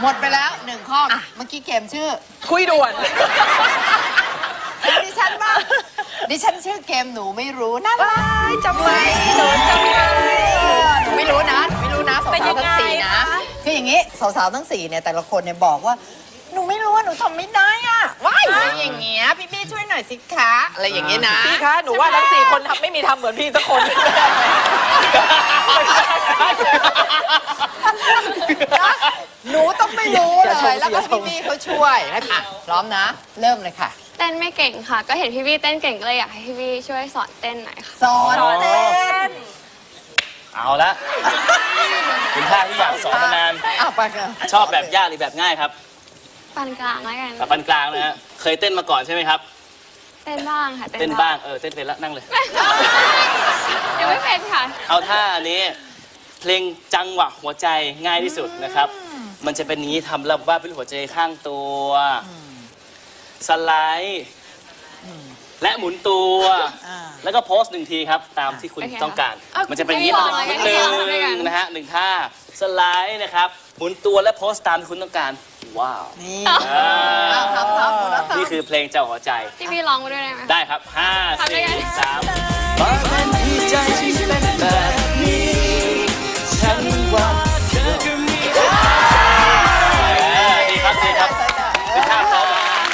หมดไปแล้ว1 ข้อเมื่อกี้เกมชื่อคุยด่วนดิฉันบ้างดิฉันชื่อเกมหนูไม่รู้น่ารักจำไว้หนูจำไว้หนูไม่รู้นะสาวๆทั้ง4นะคืออย่างนี้สาวๆทั้ง4เนี่ยแต่ละคนเนี่ยบอกว่าหนูไม่รู้ว่าหนูทำไม่ได้อ่ะว้ายอย่างเงี้ยพี่ช่วยหน่อยสิคะอะไรอย่างเงี้ยนะพี่คะหนูว่าทั้ง4 คนไม่มีทำเหมือนพี่สักคนหนูต้องไม่รู้เลยแล้วก็พี่เขาช่วยนะคะพร้อมนะเริ่มเลยค่ะเต้นไม่เก่งค่ะก็เห็นพี่เต้นเก่งก็เลยอยากให้พี่ช่วยสอนเต้นหน่อยค่ะสอนเต้นเอาละคุณท่าที่อยากสอนมานานชอบแบบยากหรือแบบง่ายครับปานกลางแล้วกันปานกลางนะฮะเคยเต้นมาก่อนใช่ไหมครับเต้นบ้างค่ะเต้นบ้างเต้นเป็นแล้วนั่งเลยยังไม่เป็นค่ะเอาท่าอันนี้เพลงจังหวะหัวใจง่ายที่สุดนะครับมันจะเป็นนี้ทำแล้วว่าเป็นหัวใจข้างตัวสไลด์และหมุนตัวแล้วก็โพส1 ทีครับตามที่คุณต้องการมันจะเป็นนี้นิดนึงนะฮะ1 ท่าสไลด์นะครับหมุนตัวและโพสตามที่คุณต้องการว้าวนี่คือเพลงเจ้าหัวใจพี่ร้องมาด้วยได้ไหมได้ครับ5 4 3บางวันที่ใจฉันเป็นแบบนี้ฉันว่าเธอก็มีดีครับเป็นท่าพร้อม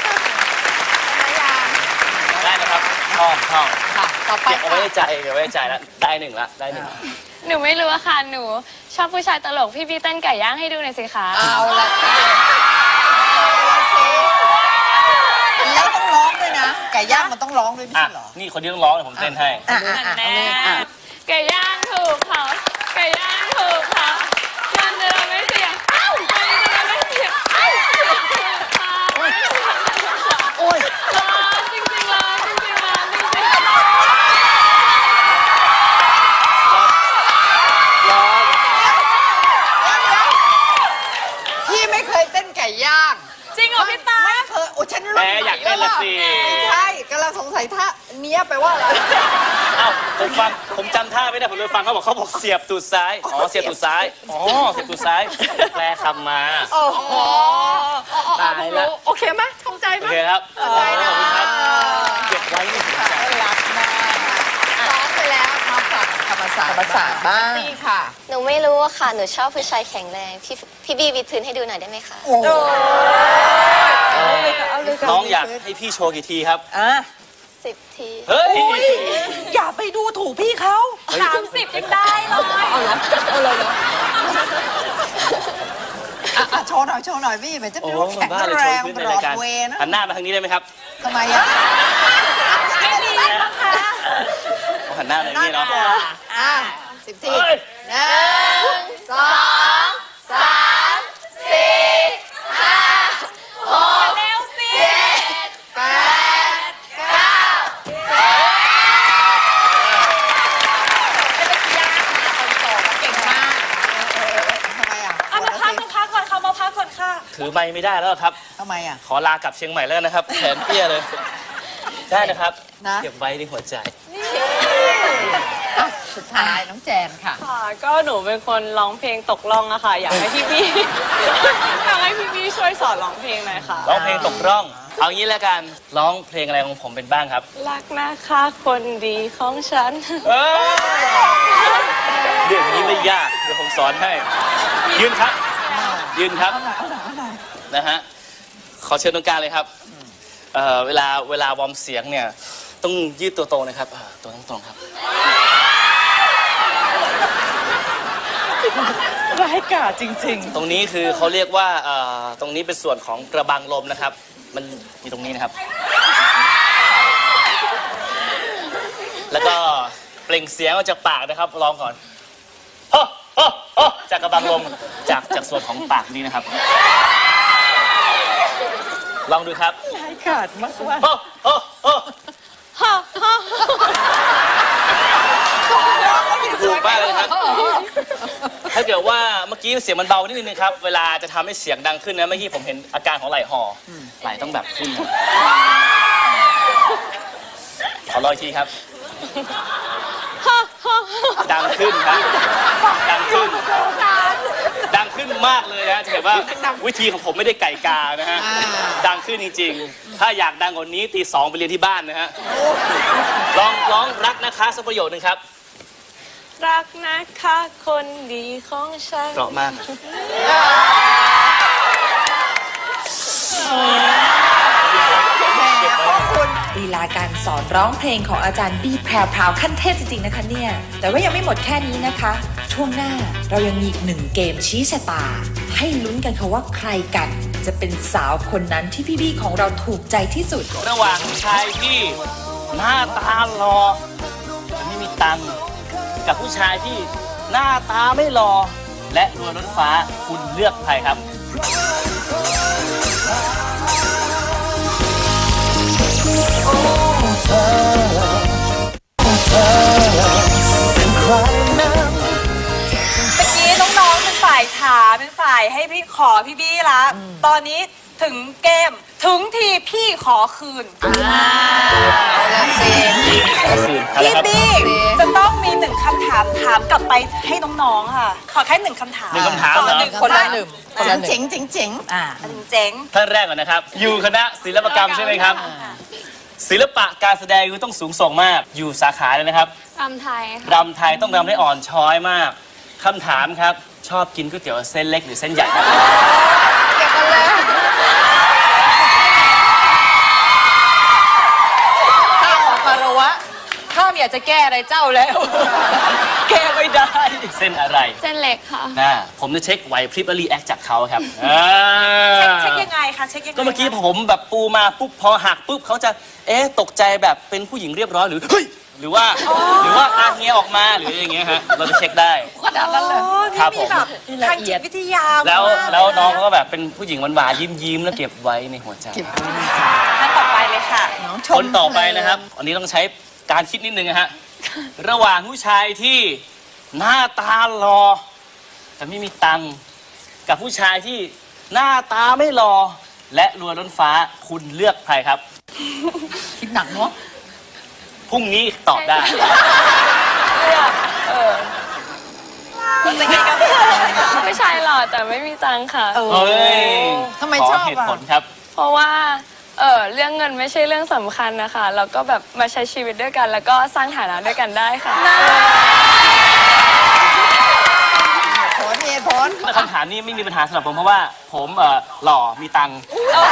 ได้นะครับท่องเก็บเอาไว้ในใจแล้วได้1ละหนูไม่รู้อะค่ะหนูชอบผู้ชายตลกพี่เต้นไก่ย่างให้ดูหน่อยสิคะเอาละแล้วต้องร้องด้วยนะไก่ย่างมันต้องร้องด้วยไม่ใช่เหรอนี่คนที่ต้องร้องผมเต้นให้ไก่ย่างถูกเผาไก่ย่างถูกเผามันจะไม่เสียงมันจะไม่เสียงโอ้ยจริงเลยพี่ไม่เคยเต้นไก่ย่างจริงเหรอพี่ตาไม่เคยโอ้ฉันรู้อยากเต้นละสิใช่กำลังสงสัยท่าเนี้ยแปลว่าอะไรผมจำท่าไม่ได้ผมเลยฟังเขาบอกเสียบตูดซ้ายเสียบตูดซ้ายเสียบตูดซ้ายแปลคำมาโอ้โหตายแล้วโอเคไหมทำใจไหมโอเคครับเข้าใจนะเก็บไว้ในหัวใจรักมากซ้อมไปแล้วมาฝากธรรมศาสตร์บ้างนี่ค่ะหนูไม่รู้ค่ะหนูชอบผู้ชายแข็งแรงพี่บีวิดพื้นให้ดูหน่อยได้ไหมคะน้องอยากให้พี่โชว์กี่ทีครับ 10 ทีเฮ้ยอย่าไปดูถูกพี่เขา 30ยังได้เลยเอาเลยโชว์หน่อยพี่มันจะดูแข็งแรงบรอดเวย์นะหันหน้ามาทางนี้ได้ไหมครับทำไมอ่ะไม่ดีนะคะหันหน้ามาทางนี้เนาะ 10 ที1 2 3 4 5 6 เร็วสิ 8 9 เก่งมากทำไมอ่ะมาพักก่อนค่ะถือไม้ไม่ได้แล้วครับทำไมอ่ะขอลากลับเชียงใหม่แล้วนะครับแขนเปี้ยเลยได้นะครับเก็บไว้ในหัวใจสุดท้ายน้องแจนค่ะก็หนูเป็นคนร้องเพลงตกล่องอะค่ะอยากให้พี่ช่วยสอนร้องเพลงหน่อยค่ะร้องเพลงตกร่องเอางี้แล้วกันร้องเพลงอะไรของผมเป็นบ้างครับรักนะคะคนดีของฉันเรื่องนี้ไม่ยากเดี๋ยวผมสอนให้ยืนครับนะฮะขอเชิญตรงกลางเลยครับเวลาวอร์มเสียงเนี่ยต้องยืดตัวตรงนะครับตัวตรงครับร้ายกาจจริงๆตรงนี้คือเขาเรียกว่าตรงนี้เป็นส่วนของกระบังลมนะครับมันอยู่ตรงนี้นะครับแล้วก็เปล่งเสียงออกจากปากนะครับลองก่อนจากกระบังลมจากส่วนของปากนี้นะครับลองดูครับร้ายกาจมากว่าถูกมากเลยครับถ้าเกิดว่าเมื่อกี้เสียงมันเบานิดนึงครับเวลาจะทำให้เสียงดังขึ้นนะเมื่อกี้ผมเห็นอาการของไหล่ห่อไหล่ต้องแบบขึ้นขอรออีกทีครับดังขึ้นครับดังขึ้นขึ้นมากเลยนะจะเห็นว่าวิธีของผมไม่ได้ไก่กานะฮะดังขึ้นจริงๆถ้าอยากดังกว่านี้ตี 2ไปเรียนที่บ้านนะฮะลองร้องรักนะคะสักประโยคนึงครับรักนะคะคนดีของฉันเพราะมากลีลาการสอนร้องเพลงของอาจารย์บี้แพรวพราวขั้นเทพจริงๆนะคะเนี่ยแต่ว่ายังไม่หมดแค่นี้นะคะ ช่วงหน้าเรายังมีอีกหนึ่งเกมชี้ชะตา ให้ลุ้นกันค่ะว่าใครกันจะเป็นสาวคนนั้นที่พี่บี้ของเราถูกใจที่สุดระหว่างชายที่หน้าตาหล่อแต่ไม่มีตังค์กับผู้ชายที่หน้าตาไม่หล่อและรวยล้นฟ้าคุณเลือกใครครับเมื่อกี้น้องๆเป็นฝ่ายถามเป็นฝ่ายให้พี่ขอพี่บี้ละตอนนี้ถึงเกมถึงทีพี่ขอคืนเอาละเซนพี่บี้จะต้องมีหนึ่งคำถามถามกลับไปให้น้องๆค่ะ ขอแค่หนึ่งคำถามหนึ่งคำถามเหรอคนละหนึ่งเจ๋งเจ๋งเจ๋งเจ๋งท่านแรกก่อนนะครับ อยู่คณะศิลปกรรมใช่ไหมครับ ศิลปะการแสดงต้องสูงส่งมาก อยู่สาขาเลยนะครับรำไทยค่ะรำไทยต้องรำได้อ่อนช้อยมากคำถามครับ ชอบกินก๋วยเตี๋ยวเส้นเล็กหรือเส้นใหญ่ครับเก็บกันเลยข้าขอคารวะข้าไม่อยากจะแก้อะไรเจ้าแล้วแก้ไม่ได้ เส้นอะไรเส้นเล็กค่ะนะผมจะเช็คไหวพริบและรีแอคจากเขาครับเช็คยังไงคะเช็คยังไงก็เมื่อกี้ผมแบบปูมาปุ๊บพอหักปุ๊บเขาจะตกใจแบบเป็นผู้หญิงเรียบร้อยหรือเฮ้ยหรือว่าอาเฮียออกมาหรืออย่างเงี้ยฮะเราจะเช็คได้ขนาดนั้นเลยครับนี่ผมมีแบบทางจิตวิทยาแล้วมากน้องเขาก็แบบเป็นผู้หญิงหวานๆยิ้มๆแล้วเก็บไว้ในหัวใจท่านต่อไปเลยค่ะคนต่อไปนะครับอันนี้ต้องใช้การคิดนิดนึงนะฮะระหว่างผู้ชายที่หน้าตาหล่อแต่ไม่มีตังค์กับผู้ชายที่หน้าตาไม่หล่อและรวยล้นฟ้าคุณเลือกใครครับคิดหนักเนาะพรุ่งนี้ตอบได้ผู้ชายหล่อแต่ไม่มีตังค์ค่ะเฮ้ยทำไมขชออบเหตุอ่ะผลครับเพราะว่าเรื่องเงินไม่ใช่เรื่องสำคัญนะคะเราก็แบบมาใช้ชีวิตด้วยกัน แล้วก็สร้างฐานะด้วยกันได้ค่ะเหตุผลคำถามนี้ไม่มีปัญหาสำหรับผมเพราะว่าผมหล่อมีตังค์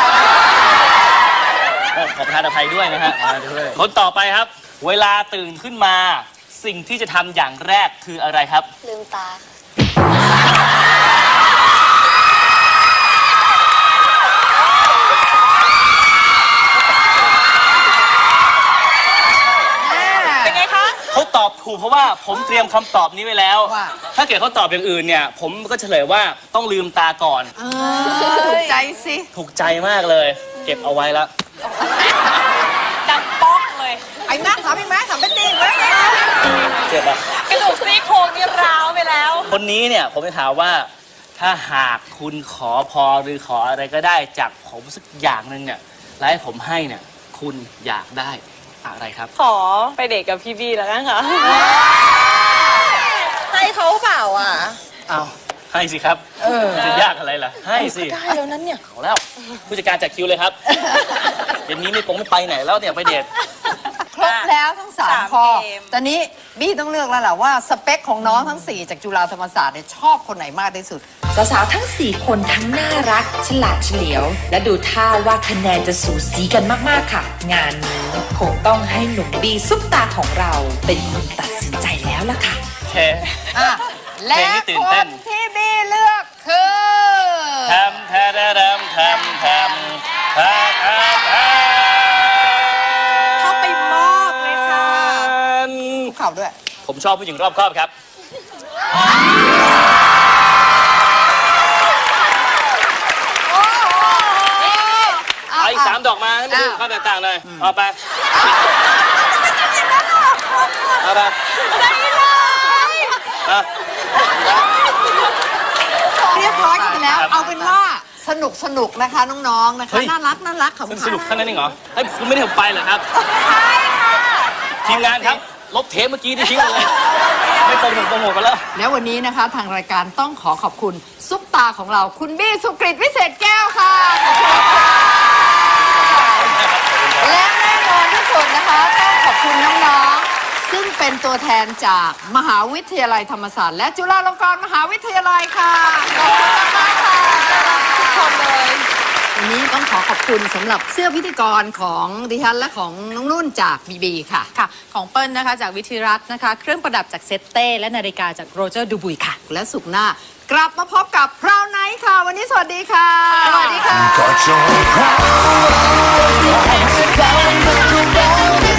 ขอประทานอภัยด้วยนะฮะคนต่อไปครับ เวลาตื่นขึ้นมาสิ่งที่จะทำอย่างแรกคืออะไรครับลืมตาค่ะเป็นไงคะเขาตอบถูกเพราะว่าผมเตรียมคำตอบนี้ไว้แล้วว่าถ้าเกิดเขาตอบอย่างอื่นเนี่ย ผมก็เฉลยว่าต้องลืมตาก่อนถูกใจสิถูกใจมากเลย เก็บเอาไว้แล้วดังป๊อกเลยไอ้แม่ถามไอ้แม่ถามเป็นดีไหมเจ็บอะกระดูกซี่โครงนี่ร้าวไปแล้วคนนี้เนี่ยผมจะถามว่าถ้าหากคุณขอพรหรือขออะไรก็ได้จากผมสักอย่างหนึ่งเนี่ยแล้วให้ผมให้เนี่ยคุณอยากได้อะไรครับขอไปเดทกับพี่บี้แล้วกันค่ะให้เขาเปล่าอ่ะเอาให้สิครับจะยากอะไรล่ะ ให้สิได้แล้วนั้นเนี่ยเอาแล้วผู้จัดการจัดคิวเลยครับ เดี๋ยวนี้ไม่ไปไหนแล้วเนี่ยไปเดทครบแล้วทั้งสาม 3ข้อเกมตอนนี้บี้ต้องเลือกแล้วล่ะว่าสเปคของน้องทั้ง 4 จากจุฬาธรรมศาสตร์เนี่ยชอบคนไหนมากที่สุดสาวๆทั้ง 4 คนทั้งน่ารัก ฉลาดเฉลียว และดูท่าว่าคะแนนจะสูสีกันมากๆค่ะ งานนี้คงต้องให้หนุ่มบีซุปตาของเราเป็นคนตัดสินใจแล้วล่ะค่ะโอเคอ่ะ และเพลงที่ตื่คนเต้นนที่บี้เลือกคือทำทำทำทำทำทำทำเข้าไปมอบเลยค่ะคุกเข่าด้วยผมชอบผู้หญิงรอบคอบครับเอาอีก3 ดอกมาให้มันดูความแตกต่างหน่อยเอาไปเอาไปเอาเรียบร้อยกันไปแล้วครับเอาเป็นว่าสนุกนะคะน้องๆนะคะเฮ้ยน่ารักขำสนุกแค่นั้นเองเหรอให้คุณไม่ได้ผมไปเหรอครับทีมงานครับลบเทปเมื่อกี้ที่ทิ้งไปเลยไม่โปรโมทไปแล้วแล้ววันนี้นะคะทางรายการต้องขอขอบคุณซุปตาของเราคุณบี้สุกฤตวิเศษแก้วค่ะขอบคุณค่ะและแน่นอนที่สุดนะคะต้องขอบคุณน้องๆซึ่งเป็นตัวแทนจากมหาวิทยาลัยธรรมศาสตร์และจุฬาลงกรณ์มหาวิทยาลัยค่ะขอบคุณมากค่ะทุกคนเลยวันนี้ต้องขอขอบคุณสำหรับเสื้อพิธีกรของดิฉันและของน้องนุ่นจากบีบีค่ะค่ะของเปิ้ลนะคะจากวิทิรัตน์นะคะเครื่องประดับจากเซตเต้และนาฬิกาจากโรเจอร์ดูบุยค่ะและสุขหน้ากลับมาพบกับพราวไนท์ค่ะ วันนี้สวัสดีค่ะ สวัสดีค่ะ Got your crown.